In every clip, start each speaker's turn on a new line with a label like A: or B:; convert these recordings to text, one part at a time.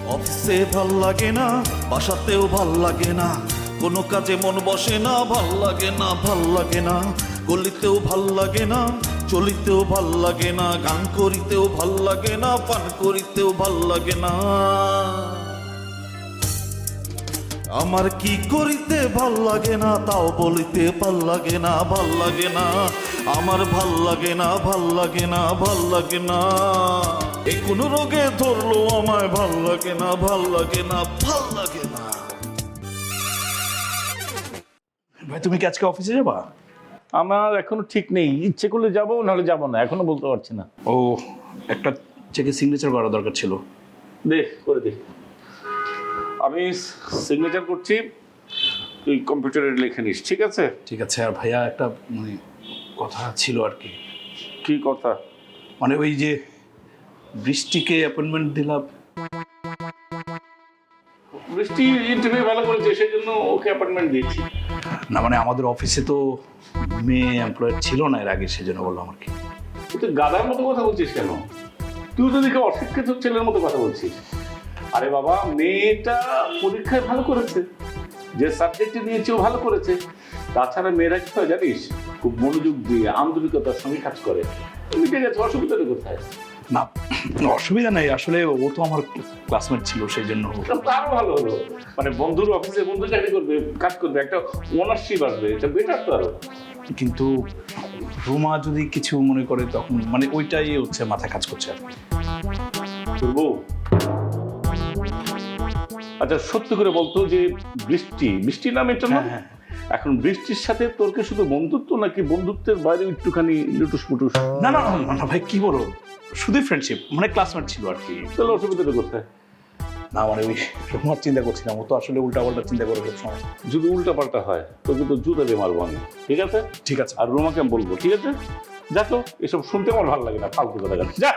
A: অফিসে ভাল লাগে না, বাসাতেও ভাল লাগে না, কোনো কাজে মন বসে না, ভাল লাগে না, ভাল লাগে না, গলিতেও ভাল লাগে না, চলিতেও ভাল লাগে না, গান করিতেও ভাল লাগে না, পান করিতেও ভাল লাগে না। আমার কি করিতে ভাল লাগে না, তাও বলিতে ভাল লাগে না, ভাল লাগে না, আমার ভাল লাগে না, ভাল লাগে না, ভাল লাগে না। এই কোন রোগে ধরলো আমায়, ভাল লাগে না, ভাল লাগে না, ভাল লাগে না।
B: ভাই তুমি কি আজকে অফিসে যাবা?
C: আমার এখনো ঠিক নেই, ইচ্ছে করলে যাবো নাহলে যাবো না, এখনো বলতে পারছি না।
B: ও একটা চেকে সিগনেচার করা দরকার ছিল।
C: দে করে দে, আমি সিগনেচার করছি, তুই কম্পিউটারে লিখে নিস, ঠিক আছে?
B: ঠিক আছে। আর ভাইয়া একটা মানে কথা ছিল আর কি।
C: কি কথা?
B: মানে ওই যে বৃষ্টিকে অ্যাপয়েন্টমেন্ট দিলাম।
C: বৃষ্টি ইন্টারভিউ ভালো করেছে, সেই জন্য ওকে অ্যাপয়েন্টমেন্ট দিয়েছি।
B: না মানে আমাদের অফিসে তো মেয়ে এমপ্লয়ার ছিল না এর আগে, সেজন্য বললাম আর কি।
C: তুই গাধার মতো কথা বলছিস কেন? তুই তো দেখে অশিক্ষিত ছেলের মতো কথা বলছিস। আরে বাবা, মেয়েটা পরীক্ষায় ভালো করেছে, যে সাবজেক্টে নিয়েছে ও ভালো করেছে। তাছাড়া মেয়েরা কি হয় জানিস, খুব মনোযোগ দিয়ে আন্তরিকতার সঙ্গে কাজ করে। মিটে গেছে, অসুবিধাটা কোথায়?
B: না অসুবিধা নাই, আসলে ও তো আমার ক্লাসমেট ছিল সেই জন্য।
C: তারও ভালো হলো, মানে বন্ধুর অফিসে বন্ধু চাকরি করবে, কাজ করবে, একটা ওনারশিপ আসবে, এটা বেটার তো আরো।
B: কিন্তু রুমা যদি কিছু মনে করে তখন মানে ওইটাই হচ্ছে মাথায় কাজ করছে আর কি।
C: তোর বউ? আচ্ছা সত্যি করে বলতো যে বৃষ্টি নাম এটা না?
B: হ্যাঁ।
C: এখন বৃষ্টির সাথে তোর কি শুধু বন্ধুত্ব নাকি বন্ধুত্বের বাইরে একটুখানি লুটুস পুটুস?
B: না না না না ভাই, কি বলো, শুধুই ফ্রেন্ডশিপ, মানে ক্লাসমেট ছিল আর কি।
C: তাহলে অসুবিধাটা কোথায়?
B: না মানে ওই রুমার চিন্তা করছিলাম, ও তো আসলে উল্টা পাল্টা চিন্তা করে সব সময়।
C: যদি উল্টা পাল্টা হয় তোকে তো জুতা দিয়ে মারবো আমি, ঠিক আছে?
B: ঠিক আছে।
C: আর রুমাকে আমি বলবো, ঠিক আছে? যা তো, এসব শুনতে আমার ভালো লাগে না, ফালতু কথা বলে। যা।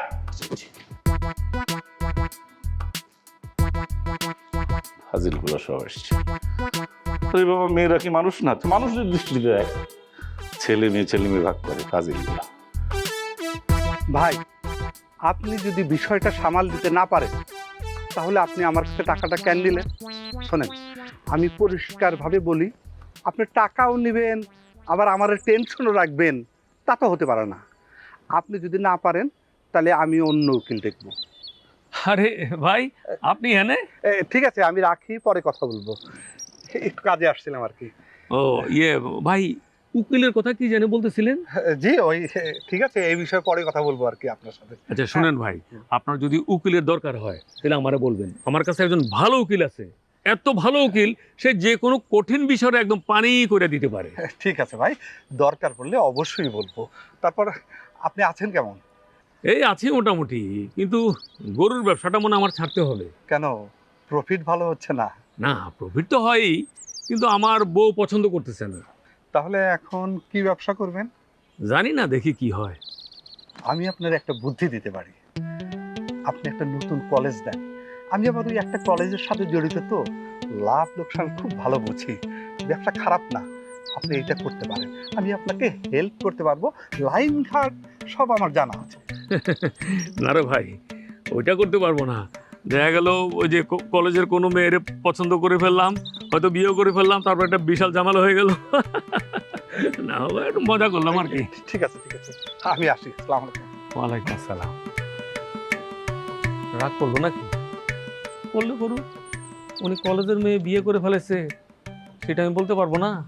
C: হাজিরগুলো সব এসছে। আরে বাবা, মেয়েরা কি মানুষ না? মানুষের দৃষ্টিতে দেখ, ছেলে মেয়ে ভাগ করে ফাজিলগুলো।
D: ভাই, আপনি যদি বিষয়টা সামাল দিতে না পারেন তাহলে আপনি আমার কাছে টাকাটা কেন নিলেন? শোনেন, আমি পরিষ্কারভাবে বলি, আপনি টাকাও নেবেন আবার আমার টেনশনও রাখবেন, তা তো হতে পারে না। আপনি যদি না পারেন তাহলে আমি অন্য উকিল দেখব।
E: আরে ভাই, আপনি এনে?
D: ঠিক আছে, আমি রাখি, পরে কথা বলবো, একটু কাজে আসছিলাম আর কি।
E: ও ইয়ে ভাই, উকিলের কথা কি জানে বলতেছিলেন?
D: জি ওই, ঠিক আছে, এই বিষয়ে পরে কথা বলবো আর কি আপনার সাথে।
E: আচ্ছা শুনেন ভাই, আপনার যদি উকিলের দরকার হয় তাহলে আমারে বলবেন। আমার কাছে একজন ভালো উকিল আছে, এত ভালো উকিল, সে যে কোনো কঠিন বিষয়ে একদম পানি করে দিতে পারে।
D: ঠিক আছে ভাই, দরকার পড়লে অবশ্যই বলবো। তারপর আপনি আছেন কেমন?
E: এই আছি মোটামুটি, কিন্তু গরুর ব্যবসাটা মনে হয় আমার ছাড়তে হবে।
D: কেন, প্রফিট ভালো হচ্ছে না?
E: না, প্রফিট তো হয়ই, কিন্তু আমার বউ পছন্দ করতেছে না।
D: তাহলে এখন কি ব্যবসা করবেন?
E: জানি না, দেখি কি হয়।
D: আমি আপনার একটা বুদ্ধি দিতে পারি। আপনি একটা নতুন কলেজ দেন, আমি আবার ওই একটা কলেজের সাথে জড়িত, তো লাভ লোকসান খুব ভালো বুঝি, ব্যবসা খারাপ না। আপনি এটা করতে পারেন, আমি আপনাকে হেল্প করতে পারবো, লাইন ঘাট সব আমার জানা আছে।
E: না রে ভাই, ওইটা করতে পারবো না। দেখা গেল ওই যে কলেজের কোনো মেয়ের পছন্দ করে ফেললাম, হয়তো বিয়েও করে ফেললাম, তারপর একটা বিশাল ঝামেলা হয়ে গেল। না একটু মজা করলাম আর কি।
D: ঠিক আছে, আমি আসি, আসসালামু আলাইকুম।
E: ওয়ালাইকুম আসসালাম। রাগ করলো নাকি? করলে করুন, উনি কলেজের মেয়ে বিয়ে করে ফেলেছে, সেটা আমি বলতে পারবো না।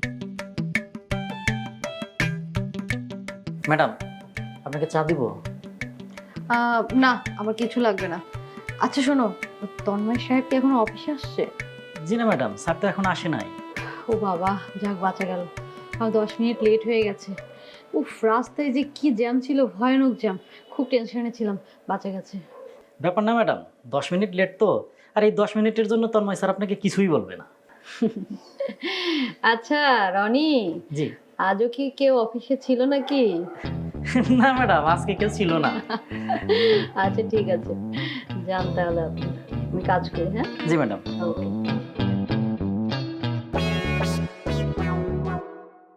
F: ম্যাডাম, আপনাকে চা দিব?
G: না, আমার কিছু লাগবে না। আচ্ছা শোনো, তন্ময় সাহেব কি এখনো অফিসে আসছে?
F: জি না ম্যাডাম, স্যার তো এখন আসে নাই।
G: ও বাবা, যাক বাঁচা গেল। আর 10 মিনিট লেট হয়ে গেছে। উফ, রাস্তায় যে কি জ্যাম ছিল, ভয়ানক জ্যাম, খুব টেনশনে ছিলাম। বাঁচা গেছে।
F: ব্যাপার না ম্যাডাম, 10 মিনিট লেট তো, আর এই 10 মিনিটের জন্য তন্ময় স্যার আপনাকে কিছুই বলবে না।
G: আচ্ছা রনি,
F: জি।
G: আজও কি কেউ অফিসে ছিল নাকি?
F: না ম্যাডাম, আজকে কেউ ছিল না।
G: আচ্ছা ঠিক আছে, যান তাহলে আপনি, আমি কাজ করি। হ্যাঁ
F: জি ম্যাডাম।
G: ওকে।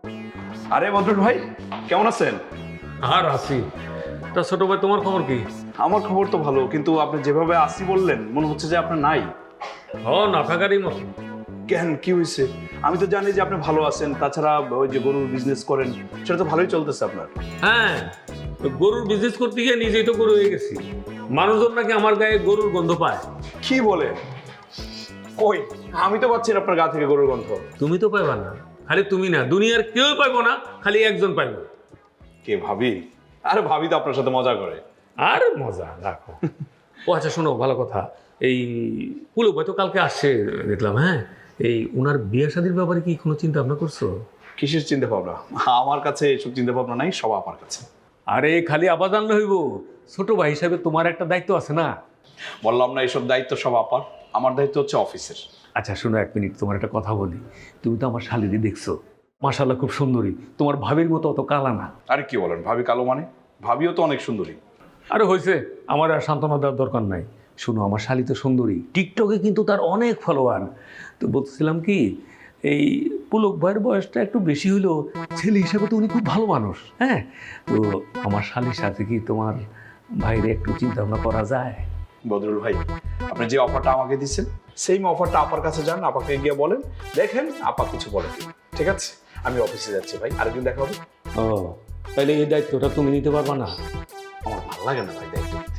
B: আরে বদরুল ভাই, কেমন আছেন?
E: আর আছি। তা ছোট ভাই, তোমার খবর কি?
B: আমার খবর তো ভালো, কিন্তু আপনি যেভাবে আসি বললেন মনে হচ্ছে যে আপনার নাই।
E: না থাকারই মতো।
B: কেন, কি হয়েছে? আমি তো জানি যে আপনি ভালো আছেন, তাছাড়া ওই যে গরুর বিজনেস করেন সেটা তো ভালোই চলতেছে আপনার।
E: হ্যাঁ, গরুর বিজনেস করতে গিয়ে নিজেই তো গরু হয়ে গেছি। মানুষজন নাকি আমার গায়ে গরুর গন্ধ পায়।
B: কি বলে? কই, আমি তো পাচ্ছি না আপনার গা থেকে গরুর গন্ধ।
E: তুমি তো পাইবা না, খালি তুমি না, দুনিয়ার কেউ পাইবো না, খালি একজন পাইবো।
B: কে, ভাবি? আরে ভাবি তো আপনার সাথে মজা করে।
E: আর মজা রাখো। ও আচ্ছা শোনো, ভালো কথা, এই পুলক ভাই তো কালকে আসছে দেখলাম। হ্যাঁ, এই ওনার বিয়ে শাদীর ব্যাপারে কি কোনো চিন্তা ভাবনা করছো?
B: কিসের চিন্তা ভাবনা? আমার কাছে এসব চিন্তা ভাবনা নাই, সব আমার কাছে।
E: আরে খালি আবার জানলে হইব, ছোট ভাই হিসাবে তোমার একটা দায়িত্ব আছে না?
B: বললাম না, এইসব দায়িত্ব সব আপার, আমার দায়িত্ব হচ্ছে অফিসের।
E: আচ্ছা শোনো, 1 মিনিট, তোমার একটা কথা বলি। তুমি তো আমার শালিদি দেখছো, মাশাআল্লাহ খুব সুন্দরী, তোমার ভাবির মতো অত কালা না।
B: আরে কি বলেন, ভাবি কালো মানে? ভাবিও তো অনেক সুন্দরী।
E: আরে হয়েছে, আমার আর সান্ত্বনা দেওয়ার দরকার নাই। শোনো, আমার শালি তো সুন্দরী, টিকটকে কিন্তু তার অনেক ফলোয়ার। তো বলছিলাম কি, এই পুলক ভাইয়ের বয়সটা একটু বেশি হইলেও ছেলে হিসাবে তো উনি খুব ভালো মানুষ। হ্যাঁ, তো আমার শালির সাথে কি তোমার ভাইরে একটু চিন্তা ভাবনা করা যায়?
B: বদরুল ভাই, আপনি যে অফারটা আমাকে দিচ্ছেন সেম অফারটা আপার কাছে যান, আপাকে গিয়ে বলেন, দেখেন আপা কিছু বলে কি। ঠিক আছে, আমি অফিসে যাচ্ছি ভাই, আরেকদিন দেখা হবে।
E: ও, তাহলে এই দায়িত্বটা তুমি নিতে পারবা না?
B: আমার ভালো লাগে না ভাই দায়িত্ব নিতে।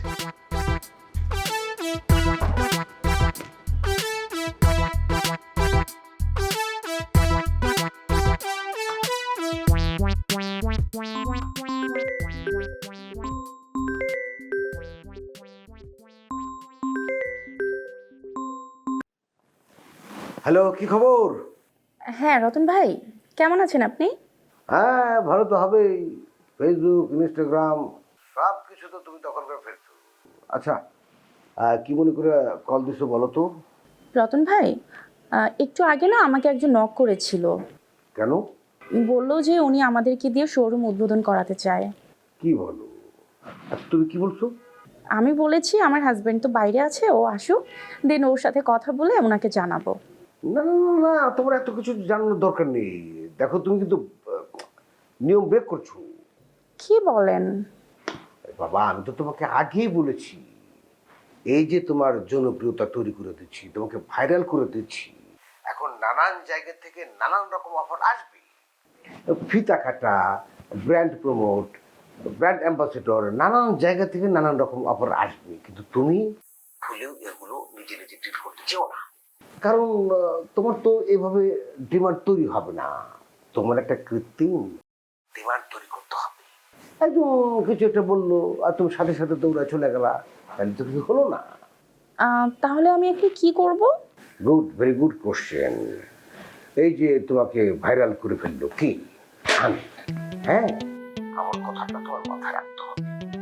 H: হ্যালো, কি খবর?
I: হ্যাঁ রতন ভাই, কেমন আছেন আপনি?
H: হ্যাঁ, ভালো তো হবেই। ফেসবুক, ইনস্টাগ্রাম সব কিছু তো তুমি দখল করে ফেলছো। আচ্ছা, কি মনে করে কল দিছো বলো তো?
I: রতন ভাই, একটু আগে না আমাকে একজন নক করেছিল।
H: কেন?
I: বলল যে উনি আমাদেরকে দিয়ে শোরুম উদ্বোধন করাতে চায়।
H: কি বলো? আচ্ছা, তুমি কি বলছো?
I: আমি বলেছি আমার হাজবেন্ড তো বাইরে আছে, ও আসুক, দেন ওর সাথে কথা বলে ওনাকে জানাবো।
H: না না না না, তোমার এত কিছু জানানোর দরকার নেই। দেখো, তুমি কিন্তু নিয়ম ব্রেক করছো।
I: কি বলেন?
H: বাবা, আমি তো তোমাকে আগেই বলেছি, এই যে তোমার জনপ্রিয়তা তৈরি করে দিচ্ছি, তোমাকে ভাইরাল করে দিচ্ছি, এখন নানান জায়গা থেকে নানান রকম অফার আসবে। ফিতা কাটা, ব্র্যান্ড প্রমোট, ব্র্যান্ড অ্যাম্বাসেডর, নানান জায়গা থেকে নানান রকম অফার আসবে, কিন্তু তুমি ভুলেও এগুলো নিজে নিজে ট্রিট করতে চাও না। কারণ তোমার তো এভাবে ডিমান্ড তৈরি হবে না, তোমার একটা কৃত্রিম ডিমান্ড তৈরি করতে হবে। একদম কিছু একটা বললো আর তুমি সাথে সাথে দৌড়া চলে গেলা, তাহলে তো কিছু হলো না।
I: তাহলে আমি এখন কি করব?
H: Good, very good question. এই যে তোমাকে ভাইরাল করে ফেললো কি আমি, হ্যাঁ, আমার কথাটা তোমার মাথায় রাখতে হবে।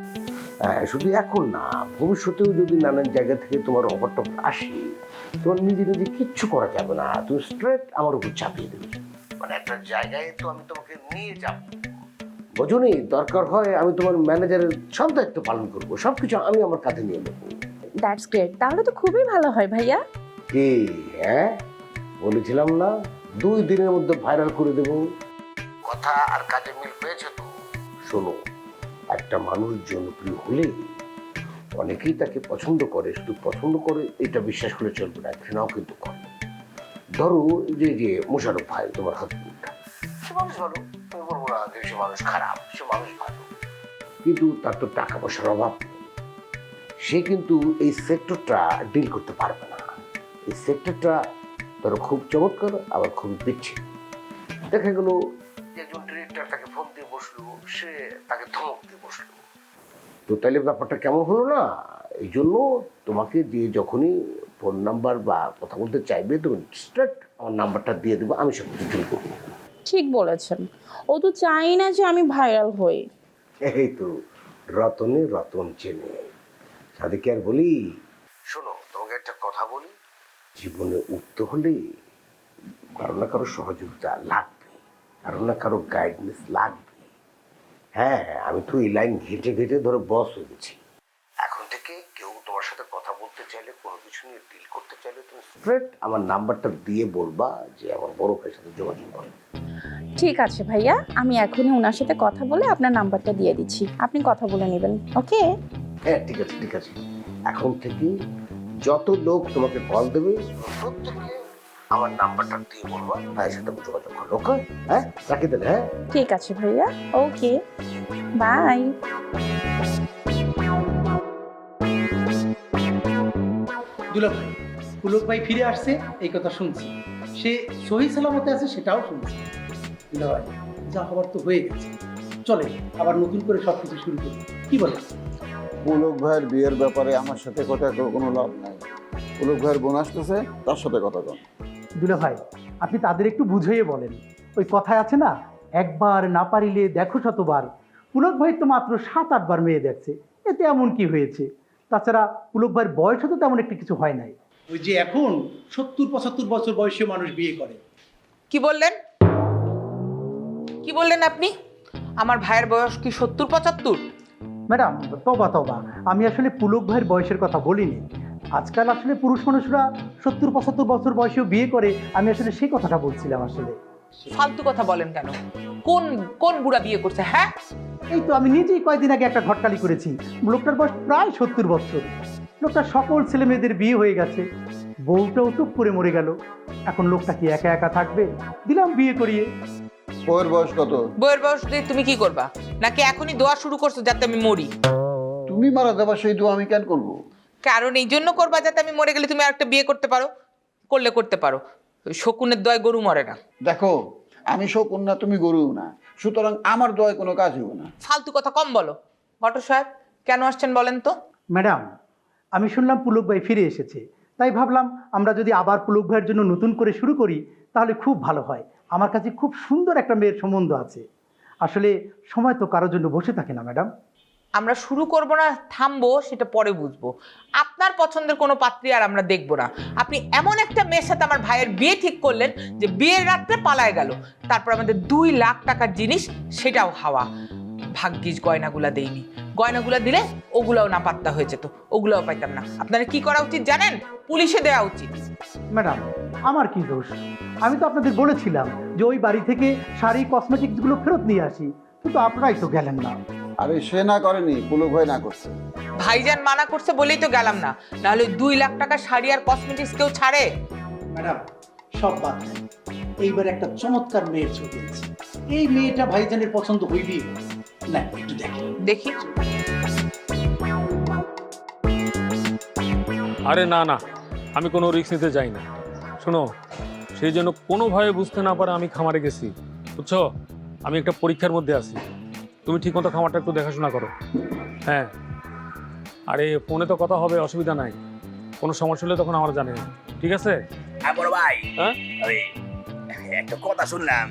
H: শুধু এখন না, ভবিষ্যতেও যদি নানান জায়গা থেকে তোমার অফারটা আসে, তোমার নিজে নিজে কিচ্ছু করা যাবে না, তুমি স্ট্রেট আমার উপর চাপিয়ে দেবে। মানে একটা জায়গায় তো আমি তোমাকে নিয়ে যাব, বোঝনি? দরকার হয় আমি তোমার ম্যানেজারের সব দায়িত্ব পালন করবো, সবকিছু আমি আমার কাঁধে নিয়ে নেবো।
I: দ্যাটস গ্রেট, তাহলে তো খুবই ভালো হয় ভাইয়া।
H: কি, হ্যাঁ, বলেছিলাম না 2 দিনের মধ্যে ভাইরাল করে দেব। কথা আর কাজে মিল পেয়েছে তো? শোনো, একটা মানুষ জনপ্রিয় হলে অনেকেই তাকে পছন্দ করে, শুধু পছন্দ করে এটা বিশ্বাস করে চলবে না, ঘৃণাও কিন্তু করে। ধরো যে যে মোশারফ ভাই, তোমার হাজবেন্ডটা, সে মানুষ ভালো, তুমি বলবো না যে সে মানুষ খারাপ, সে মানুষ ভালো, কিন্তু তার তো টাকা পয়সার অভাব নেই। সে কিন্তু এই সেক্টরটা ডিল করতে পারবে না। এই সেক্টরটা ধরো খুব চমৎকার, আবার খুবই বিচ্ছিন্ন। দেখা গেল একজন ডিরেক্টর তাকে ফোন দিয়ে বসলো, সে তাকে ধমক দিয়ে বসলো, তো তাহলে ব্যাপারটা কেমন হলো না? এই জন্য তোমাকে দিয়ে যখনই ফোন নাম্বার বা কথা বলতে চাইবে, তুমি স্ট্রেট আমার নাম্বারটা দিয়ে দেবো, আমি সব কিছু ডিল করবো।
I: ঠিক বলেছেন, ও তো চাই না যে আমি ভাইরাল হই।
H: এই তো রতনে রতন চেনে, সাদিকে আর বলি। শোনো, তোমাকে একটা কথা বলি, জীবনে উঠতে হলে কারো না কারো সহযোগিতা লাগবে, কারো না কারো গাইডনেস লাগবে। হ্যাঁ, আমি তো এই লাইন ঘেটে ঘেটে ধরো বস হয়ে গেছি। এখন থেকে কেউ তোমার সাথে কথা বলতে চাইলে, কোনো কিছু নিয়ে ডিল করতে চাইলে, তুমি স্ট্রেট আমার নাম্বারটা দিয়ে বলবা যে আমার বড় ভাইয়ের সাথে যোগাযোগ করো।
I: ঠিক আছে ভাইয়া, আমি এখনই ওনার সাথে কথা বলে আপনার নাম্বারটা দিয়ে দিচ্ছি, আপনি কথা বলে নেবেন। ওকে,
H: হ্যাঁ ঠিক আছে ঠিক আছে, এখন থেকে যত লোক তোমাকে কল দেবে প্রত্যেককে আমার নাম্বারটা দিয়ে বলবো, ভাইয়ের সাথে যোগাযোগ করো। ওকে, হ্যাঁ রাখি তাহলে। হ্যাঁ
I: ঠিক আছে ভাইয়া, ওকে, বাই।
J: দুলা ভাই, পুলক ভাই ফিরে আসছে এই কথা শুনছি, সে সহি সালামতে আছে সেটাও শুনছি। দুলা ভাই, যা হবার তো হয়ে গেছে, চলে আবার নতুন করে সবকিছু শুরু করি, কি বলে?
K: পুলক ভাইয়ের বিয়ের ব্যাপারে আমার সাথে কথা কোনো লাভ নাই। পুলক ভাইয়ের বোন আসতেছে, তার সাথে কথা কন।
J: দুলা ভাই, আপনি তাদের একটু বুঝিয়ে বলেন, ওই কথায় আছে না, একবার না পারিলে দেখো শতবার। পুলক ভাই তো মাত্র 7-8 বার মেয়ে দেখছে, এতে এমন কি হয়েছে? তাছাড়া পুলক ভাইয়ের বয়সও তো তেমন একটি কিছু হয় নাই। ওই যে এখন 70-75 বছর বয়সী মানুষ বিয়ে করে।
L: কি বললেন? কি বললেন আপনি? আমার ভাইয়ের বয়স কি 70-75?
J: ম্যাডাম তবা তবা, আমি আসলে পুলক ভাইয়ের বয়সের কথা বলিনি। আজকাল আসলে পুরুষ মানুষরা 70-75 বছর বয়সেও বিয়ে করে, আমি আসলে সেই কথাটা বলছিলাম। আসলে
L: ফালতু কথা বলেন কেন? কোন কোন বুড়া বিয়ে করছে? হ্যাঁ,
J: এই তো আমি নিজেই কয়েকদিন আগে একটা ঘটকালি করেছি। লোকটার বয়স প্রায় 70 বছর। লোকটার সকল ছেলে মেয়েদের বিয়ে হয়ে গেছে, বউটাও টুপ করে মরে গেল। এখন লোকটা কি একা একা থাকবে? দিলাম বিয়ে করিয়ে।
K: বউয়ের বয়স কত?
L: বইয়ের বয়স দিয়ে তুমি কি করবা? নাকি এখনই দোয়া শুরু করছো যাতে আমি মরি?
K: তুমি মারা দেবা, সেই দোয়া আমি কেন করবো?
L: কারণ এই জন্য করবা যাতে আমি মরে গেলে তুমি আরেকটা বিয়ে করতে পারো। করলে করতে পারো, ওই শকুনের দয় গরু মরে না।
K: দেখো, আমি শকুন না, তুমি গরুও না, সুতরাং আমার দোয়ায় কোনো কাজ হবে না।
L: ফালতু কথা কম বলো। ঘটক সাহেব কেন আসছেন বলেন তো?
J: ম্যাডাম, আমি শুনলাম পুলক ভাই ফিরে এসেছে, তাই ভাবলাম আমরা যদি আবার পুলক ভাইয়ের জন্য নতুন করে শুরু করি তাহলে খুব ভালো হয়। আমার কাছে খুব সুন্দর একটা মেয়ের সম্বন্ধ আছে। আসলে সময় তো কারোর জন্য বসে থাকে না ম্যাডাম।
L: আমরা শুরু করব না থামবো সেটা পরে বুঝবো। আপনার পছন্দের কোনো পাত্রী আর আমরা দেখবো না। আপনি এমন একটা মেয়ের সাথে আমার ভাইয়ের বিয়ে ঠিক করলেন যে বিয়ের রাত্রে পালায় গেল, তারপর আমাদের 2 লাখ টাকার জিনিস সেটাও হাওয়া। ভাগ্যিস গয়নাগুলা দেইনি, গয়নাগুলা দিলে ওগুলাও না পাত্তা হয়ে যেত, ওগুলাও পাইতাম না। আপনারা কি করা উচিত জানেন? পুলিশে দেওয়া উচিত।
J: ম্যাডাম, আমার কি দোষ? আমি তো আপনাদের বলেছিলাম যে ওই বাড়ি থেকে শাড়ি কসমেটিক্সগুলো ফেরত নিয়ে আসি, কিন্তু আপনারাই তো গেলেন না।
K: আরে সে না করেনি, পুলক ভাই না করছে।
L: ভাইজান মানা করছে বলেই তো গেলাম না, নাহলে 2 লাখ টাকা শাড়ি আর কসমেটিক্স কেউ ছাড়ে?
J: ম্যাডাম সব বাদ দেন, এইবার একটা চমৎকার মেয়ের ছবি আছে, এই মেয়েটা ভাইজানের পছন্দ হইবি না, একটু দেখেন।
L: দেখি।
E: আরে না না, আমি কোনো রিস্ক নিতে চাই না। শোনো, সেই জন্য কোনোভাবে বুঝতে না পারে আমি খামারে গেছি, বুঝছো? আমি একটা পরীক্ষার মধ্যে আছি। তুমি ঠিকমতো খামারটা একটু দেখাশোনা করো। হ্যাঁ, আরে ফোনে তো কথা হবে, অসুবিধা নাই। কোনো সমস্যা হলে তখন আমার জানে, ঠিক আছে?
M: হ্যাঁ বড় ভাই,
E: হ্যাঁ
M: ওই একটা কথা শুনলাম,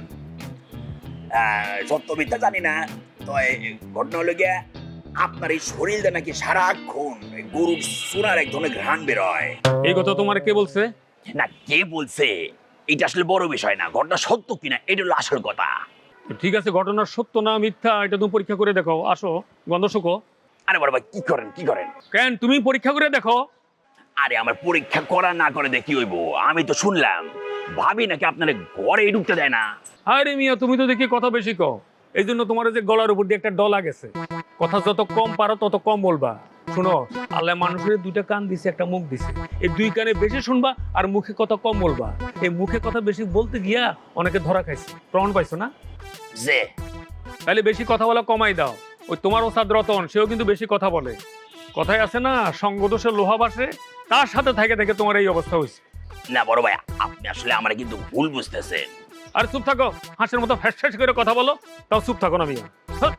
M: সত্য মিথ্যা জানি না, তো ঘটনা হলো গিয়া আপনার এই শরীরটা নাকি সারাক্ষণ গরুর সোনার এক ধরনের ঘ্রাণ বেরোয়।
E: এই কথা তোমার কে বলছে?
M: না, কে বলছে এটা আসলে বড় বিষয় না, ঘটনা সত্য কিনা এটা হলো আসল কথা।
E: ঠিক আছে, ঘটনার সত্য না মিথ্যা এটা তুমি পরীক্ষা করে দেখো। আসো, গন্ধ শুকো।
M: আরে বড় ভাই, কি করেন কি করেন?
E: কেন, তুমি পরীক্ষা করে দেখো।
M: আরে আমার পরীক্ষা করা না করে দেখি হইব? আমি তো শুনলাম ভাবি নাকি আপনার ঘরে ঢুকতে দেয় না।
E: আরে মিয়া, তুমি তো দেখি কথা বেশি কও, এই জন্য তোমার যে গলার উপর দিয়ে একটা ডলা গেছে। কথা যত কম পারো তত কম বলবা। শোনো, আল্লাহ মানুষের 2টা কান দিছে, একটা মুখ দিছে, এই 2 কানে বেশি শুনবা আর মুখে কথা কম বলবা। এই মুখে কথা বেশি বলতে গিয়া অনেকে ধরা খাইছে, প্রমাণ পাইছো না?
M: যে
E: তাহলে বেশি কথা বলা কমাই দাও। ওই তোমার ওস্তাদ রতন, সেও কিন্তু বেশি কথা বলে। কথায় আছে না, সঙ্গদোষে লোহা বাসে, তার সাথে থেকে থেকে তোমার এই অবস্থা হয়েছে।
M: না বড় ভাই, আপনি আসলে আমার কিন্তু ভুল বুঝতেছেন।
E: আর চুপ থাকো, হাঁসের মতো ফ্যাস ফ্যাস করে কথা বলো, তাও চুপ থাকো না মিয়া।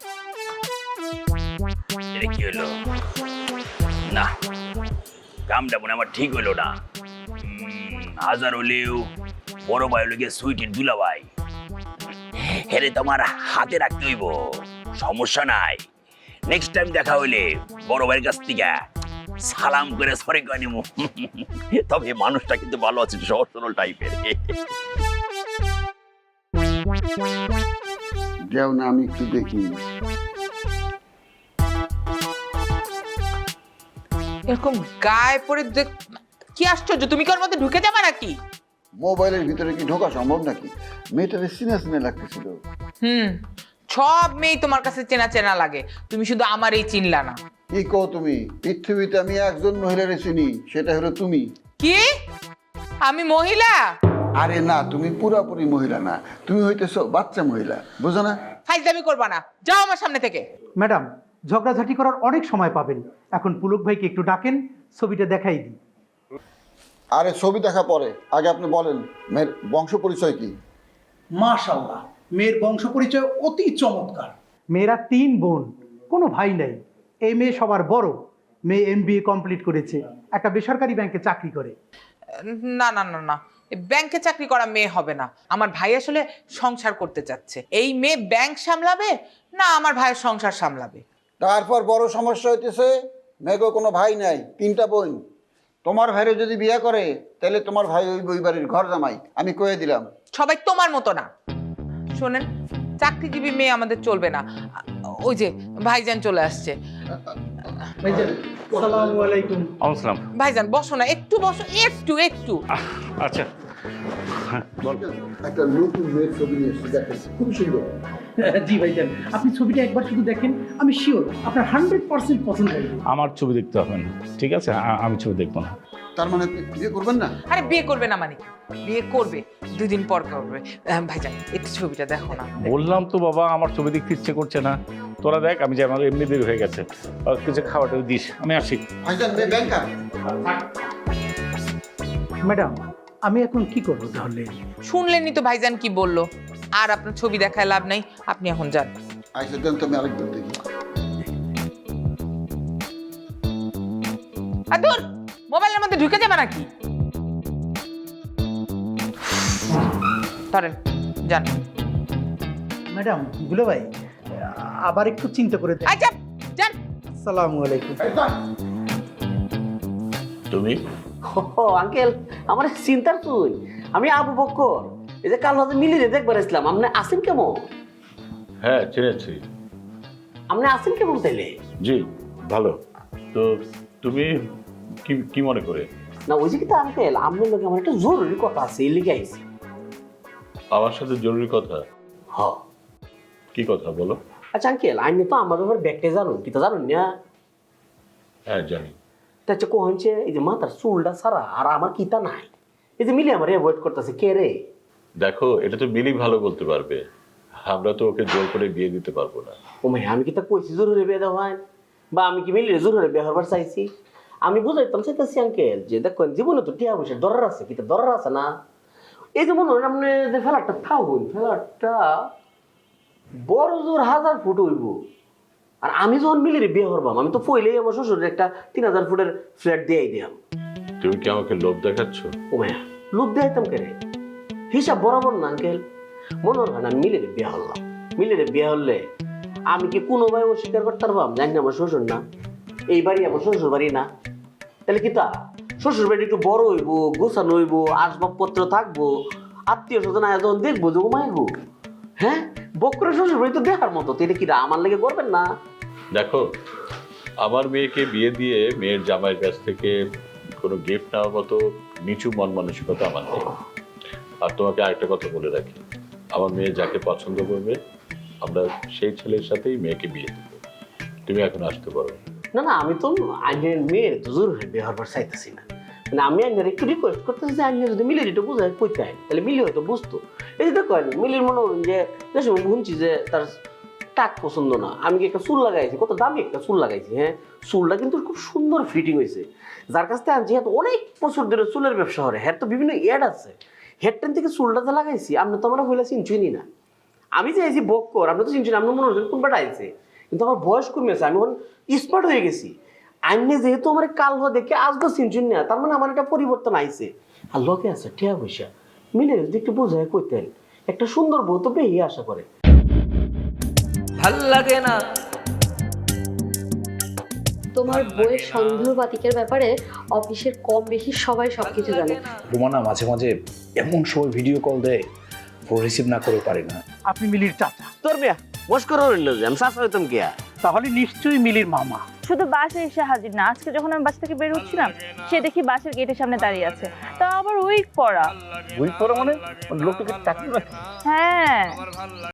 M: এটা কি হলো? না, কামটা মনে আমার ঠিক হইলো না। হাজার হলেও বড় ভাই হলো গিয়ে সুইটির দুলা ভাই, হেরে তোমার হাতে রাখতে হইব। সমস্যা নাই, নেক্সট টাইম দেখা হইলে বড় ভাইয়ের কাছ থেকে সালাম করে সরি করে নিব। তবে মানুষটা কিন্তু ভালো আছে, সহজ সরল টাইপের।
K: যাও না, আমি একটু দেখি।
L: এরকম গায়ে পড়ে কি আশ্চর্য, তুমি কি ওর মধ্যে ঢুকে যাবে নাকি?
K: মোবাইলের ভিতরে কি ঢোকা সম্ভব নাকি? মেয়েটারে সিনে সিনে লাগতেছিল।
L: সব মেয়ে তোমার কাছে চেনা চেনা লাগে, তুমি শুধু আমার এই চিনলা না।
K: কি কো তুমি? পৃথিবীতে আমি একজন মহিলারে চিনি, সেটা হলো তুমি।
L: কি আমি মহিলা?
K: আরে না, তুমি পুরাপুরি মহিলা না, তুমি হইতেছো বাচ্চা মহিলা, বুঝো না?
L: ফাইজলামি করবা না, যাও আমার সামনে থেকে।
J: ম্যাডাম, ঝগড়াঝাটি করার অনেক সময় পাবেন, এখন পুলক ভাইকে একটু ডাকেন, ছবিটা দেখাই দিই।
K: আরে ছবি দেখা পরে, আগে আপনি বলেন মেয়ের বংশ পরিচয় কি?
J: মাশাআল্লাহ, মেয়ের বংশ পরিচয় অতি চমৎকার। মেয়েরা 3 বোন, কোনো ভাই নাই। এই মেয়ে সবার বড়। মেয়ে MBA কমপ্লিট করেছে, একটা বেসরকারি ব্যাংকে চাকরি করে।
L: না না না না, ব্যাংকে চাকরি করা মেয়ে হবে না। আমার ভাই আসলে সংসার করতে চাচ্ছে। এই মেয়ে ব্যাংক সামলাবে না আমার ভাইয়ের সংসার সামলাবে?
K: তারপর বড় সমস্যা হইতেছে মেয়েকে কোনো ভাই নাই, 3টা বোন। তোমার ভাইরে যদি বিয়ে করে তাহলে তোমার ভাই ওই বাড়ির ঘর জামাই, আমি কয়ে দিলাম।
L: সবাই তোমার মতো না। শোনেন, চাকরিজীবী মেয়ে আমাদের চলবে না। ওই যে ভাইজান চলে আসছে।
J: ভাইজান, আসসালামু আলাইকুম।
C: আসসালাম।
L: ভাইজান বসো না, একটু বসো, একটু একটু।
C: আচ্ছা,
K: একটা নতুন মেয়ের ছবি নিয়ে এসে দেখেন, খুব সুন্দর।
J: জি ভাইজান, আপনি ছবিটা একবার শুধু দেখেন, আমি শিওর আপনার 100% পছন্দ হবে।
C: আমার ছবি দেখতে হবে না, ঠিক আছে? আমি ছবি দেখবো না।
K: তার মানে বিয়ে করবেন না?
L: আরে বিয়ে করবে না মানে কি? বিয়ে করবে, 2 দিন পর করবে। ভাইজান একটু ছবিটা দেখো না।
C: বললাম তো বাবা, আমার ছবি দেখতে ইচ্ছে করছে না। তোরা দেখ, আমি যে আমার এমনি দেরি হয়ে গেছে, কিছু খাওয়াটা দিস, আমি আসি।
K: ভাইজান মেয়ে ব্যাংকার।
J: ম্যাডাম, আমি এখন কি করবো তাহলে?
L: শুনলেনই তো ভাইজান কি বললো। আর আপনার ছবি দেখায় লাভ নাই, আপনি এখন যান।
K: আইসা দেন তো, আমি আরেকবার দেখি।
L: আর দূর, মোবাইলের মধ্যে ঢুকে যাবে নাকি? ধরেন, যান।
J: ম্যাডাম, দুলো ভাই, আবার একটু চিন্তা করে দেখেন।
L: আচ্ছা, যান।
J: আসসালামু আলাইকুম।
C: তুমি?
N: ও আঙ্কেল, আমার চিন্তার তুই, আমি আবু বক্কর। এই যে কাল রাতে মিলিয়ে দেখবার আসলাম, আপনি আসেন কেমন?
C: হ্যাঁ, চিনেছি।
N: আপনি আসেন কেমন তাইলে?
C: জি, ভালো। তো তুমি কি মনে করে?
N: না ওই যে কিন্তু আঙ্কেল, আপনার লোক আমার একটা জরুরি কথা আছে, এই লিখে আইছি।
C: আমার সাথে জরুরি কথা?
N: হ।
C: কি কথা বলো?
N: আচ্ছা আঙ্কেল, আপনি তো আমার ব্যাপারে ব্যাগটা জানুন, কি তা জানুন না?
C: হ্যাঁ জানি।
N: তা হচ্ছে কোহনছে এই যে মাথার চুলটা ছাড়া আর আমার কিতা নাই। এই যে মিলি আমার অ্যাভয়েড করতেছে, কে রে?
C: দেখো, এটা তো মিলি ভালো বলতে পারবে, আমরা তো ওকে জোর করে বিয়ে দিতে পারবো না।
N: ও ভাই, আমি কি তা কইছি জরুরি বিয়ে দেওয়া হয়? বা আমি কি মিলিয়ে জরুরি বিয়ে হবার চাইছি? আমি বুঝাইতাম চাইতেছি আঙ্কেল যে দেখেন, জীবনে তো টিয়া পয়সার দরকার আছে, কি তা দরকার আছে না? এই যে মনে হয় আপনি যে ফ্ল্যাটটা থাকুন, ফ্ল্যাটটা বড় জোর 1000 ফুট হইব। আর আমি যখন মিলিয়ে বিয়ে করবাম, আমি তো পইলেই আমার শ্বশুরের একটা 3000 ফুটের ফ্ল্যাট দিয়েই দিলাম।
C: তুমি কি আমাকে লোভ দেখাচ্ছ?
N: ও ভাইয়া, লোভ দেখাইতাম কে রে? হিসাব বরাবর না আঙ্কেল। মনে হয় না মিলিয়ে বিয়ে হলাম, মিলিয়ে বিয়ে হলে আমি কি কোনো ভাই অস্বীকার করতে পারবাম জানি না আমার শ্বশুর না, এই বাড়ি আমার শ্বশুর বাড়ি না? তাহলে কি তা শ্বশুর বাড়ি একটু বড় হইব, গোছানো হইব, আসবাবপত্র থাকবো, আত্মীয় স্বজন আয়োজন দেখবো, যে ঘুমাইবো। হ্যাঁ, বকরের শ্বশুর বাড়ি তো দেখার মতো, তো এটা কি আমার লেগে করবেন না?
C: দেখো, আমার মেয়েকে বিয়ে দিয়ে মেয়ের জামাইয়ের কাছ থেকে কোনো গিফট নেওয়ার মতো নিচু মন মানসিকতা আমার নেই। আর তোমাকে আরেকটা কথা বলে রাখি, আমার মেয়ে যাকে পছন্দ করবে আমরা সেই ছেলের সাথেই মেয়েকে বিয়ে দেব। তুমি এখন আসতে পারো।
N: না না, আমি তো আইনের মেয়ের তো জরুরি বিয়ে হবার চাইতেছি না। মানে আমি আইনের একটু রিকোয়েস্ট করতেছি যে আইনের যদি মিলিয়ে একটু বুঝায় কইতে হয়, তাহলে মিলি হয়তো বুঝতো। এই যে দেখো, মিলির মনে হল যে শুনছি যে তার টাক পছন্দ না। আমি কি একটা চুল লাগাইছি, কত দামি একটা চুল লাগাইছি। হ্যাঁ, চুলটা কিন্তু খুব সুন্দর ফিটিং হয়েছে। যার কাছ থেকে আনছি হ্যাঁ, অনেক বছর ধরে চুলের ব্যবসা করে, হ্যাঁ তো বিভিন্ন অ্যাড আছে। হেডটেন থেকে চুলটা যে লাগাইছি, আপনি তো আমার হইলে চিনছুনি না। আমি চাইছি বক্কর, আপনি তো চিনছেন, আপনি মনে হচ্ছেন কোন বেটা আইছে। কিন্তু আমার বয়স কমেছে, আমি এখন স্মার্ট হয়ে গেছি। আমি যেহেতু আমার কাল হওয়া দেখে আসবো চিনছুন না, তার মানে আমার একটা পরিবর্তন আইছে। আর লোকে আছে টিয়া পয়সা, মিলে যদি একটু বোঝায় কইতেন, একটা সুন্দর বউ তো পেয়ে আশা করে।
O: ভাল লাগে না
G: তোমার বইয়ের সন্দেহবাতিকের ব্যাপারে অফিসের কম বেশি সবাই সবকিছু জানে।
B: রুমানা মাঝে মাঝে এমন সময় ভিডিও কল দেয়, ফোন রিসিভ না করে পারি না।
J: আপনি মিলির চাচা?
N: তোর মেয়া মস্কর হইল যে আমি চাচা হইতাম কে?
J: তাহলে নিশ্চয়ই মিলির মামা।
I: শুধু বাসে এসে হাজির না, আজকে যখন আমি বাস থেকে বের হচ্ছিলাম, সে দেখি বাসের গেটের সামনে দাঁড়িয়ে আছে, তা আবার উইক পরা।
B: উইক পরা মানে লোকটাকে টাকা?
I: হ্যাঁ।